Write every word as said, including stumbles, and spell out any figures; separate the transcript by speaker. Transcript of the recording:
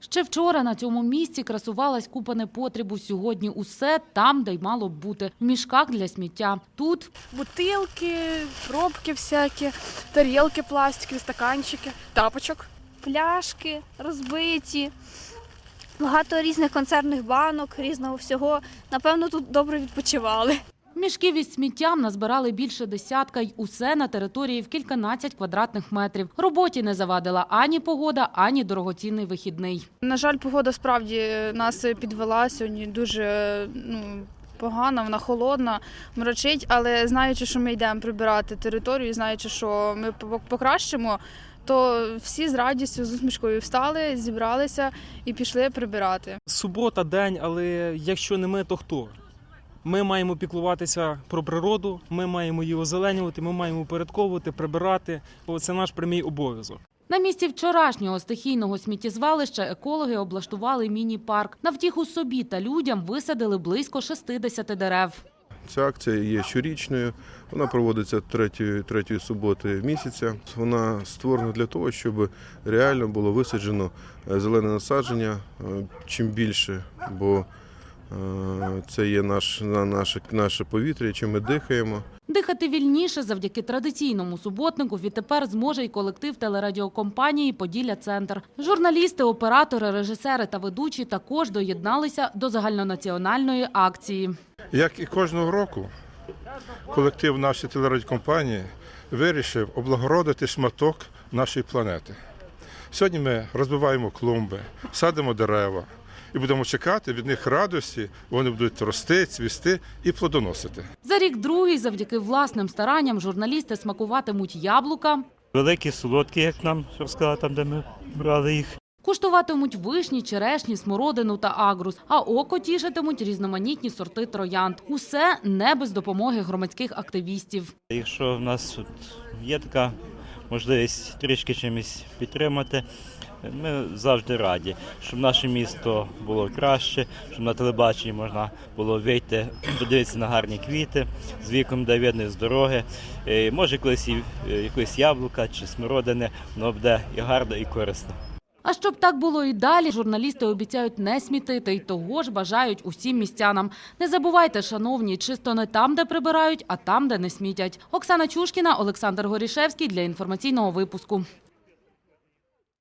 Speaker 1: Ще вчора на цьому місці красувалась купа непотребу. Сьогодні усе там, де й мало б бути. В мішках для сміття. Тут
Speaker 2: бутилки, пробки всякі, тарілки пластикові, стаканчики, тапочок.
Speaker 3: Пляшки розбиті, багато різних консервних банок, різного всього. Напевно, тут добре відпочивали.
Speaker 1: мішків із сміттям назбирали більше десятка, й усе на території в кільканадцять квадратних метрів. Роботі не завадила ані погода, ані дорогоцінний вихідний.
Speaker 2: На жаль, погода справді нас підвела сьогодні дуже, ну, погана, вона холодна, мрачить, але знаючи, що ми йдемо прибирати територію, знаючи, що ми покращимо, то всі з радістю, з усмішкою встали, зібралися і пішли прибирати.
Speaker 4: Субота, день, але якщо не ми, то хто? Ми маємо піклуватися про природу, ми маємо її озеленювати, ми маємо упорядковувати, прибирати. Це наш прямий обов'язок.
Speaker 1: На місці вчорашнього стихійного сміттєзвалища екологи облаштували міні-парк. На втіху собі та людям висадили близько шістдесят дерев.
Speaker 5: Ця акція є щорічною, вона проводиться третьої, третьої суботи місяця. Вона створена для того, щоб реально було висаджено зелене насадження чим більше, бо це є наш, наше, наше повітря, чим ми дихаємо.
Speaker 1: Дихати вільніше завдяки традиційному суботнику відтепер зможе й колектив телерадіокомпанії «Поділля-Центр». Журналісти, оператори, режисери та ведучі також доєдналися до загальнонаціональної акції.
Speaker 6: Як і кожного року, колектив нашої телерадіокомпанії вирішив облагородити шматок нашої планети. Сьогодні ми розбиваємо клумби, садимо дерева і будемо чекати від них радості, вони будуть рости, цвісти і плодоносити.
Speaker 1: За рік другий завдяки власним старанням журналісти смакуватимуть яблука,
Speaker 7: великі, солодкі, як нам розказали, там, де ми брали їх.
Speaker 1: куштуватимуть вишні, черешні, смородину та агрус, а око тішитимуть різноманітні сорти троянд. Усе не без допомоги громадських активістів.
Speaker 7: Якщо в нас тут є така можливість трішки чимось підтримати, ми завжди раді, щоб наше місто було краще, щоб на телебаченні можна було вийти, подивитися на гарні квіти, з віком, де видно з дороги. Може, колись і якось яблука чи смородини, воно буде і гарно, і корисно.
Speaker 1: А щоб так було і далі, журналісти обіцяють не смітити, і того ж бажають усім містянам. Не забувайте, шановні, чисто не там, де прибирають, а там, де не смітять. Оксана Чушкіна, Олександр Горішевський для інформаційного випуску.